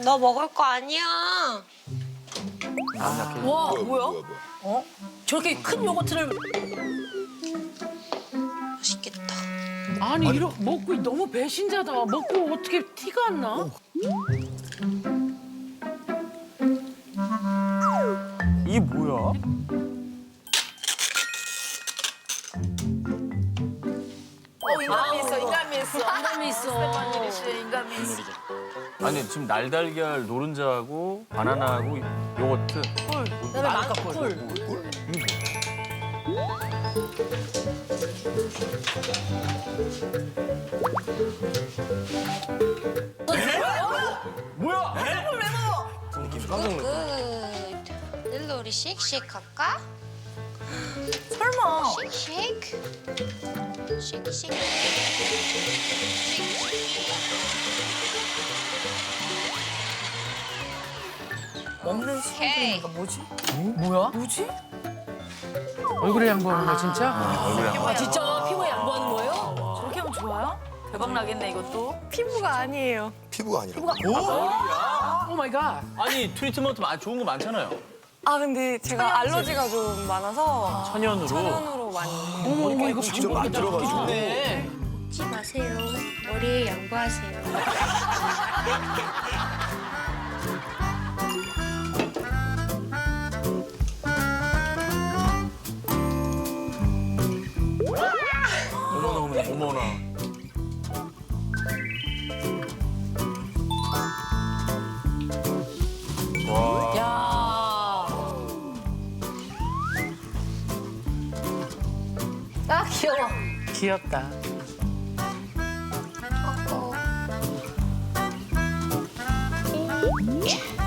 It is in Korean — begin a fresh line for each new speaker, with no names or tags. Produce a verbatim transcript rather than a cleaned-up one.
너 먹을 거 아니야.
와
뭐야,
뭐야?
뭐야, 뭐야.
어? 저렇게 큰 요거트를
맛있겠다.
아니, 이러 먹고 너무 배신자다. 먹고 어떻게 티가 안 나?
이게 뭐야?
어 인간미 있어 인간미 있어
인간미 있어.
스테파니 리시의 인간미 있어.
아니 지금 날달걀 노른자하고 바나나하고 요거트.
그다음에 망쿨.
뭐야?
굿. 일로 우리 쉑쉑 할까?
설마.
쉑쉑. 쉑쉑.
먹는
오케이.
순간이니까 뭐지?
뭐야?
뭐지?
얼굴에 양보하는 거야, 진짜?
아 진짜 피부에 양보하는 거예요? 저렇게 하면 좋아요? 대박 나겠네 이것도.
피부가 아니에요.
피부가 아니라.
오 마이 갓.
아니 트리트먼트 많- 좋은 거 많잖아요.
아 근데 제가 알러지가 좀 많아서
천연으로.
천연으로 많이.
어머, 어머, 이거
직접 만들어가지고.
네.
먹지 마세요. 머리에 양보하세요.
어머나 어머나 어머나. 와.
야. 아 귀여워.
귀엽다.
어.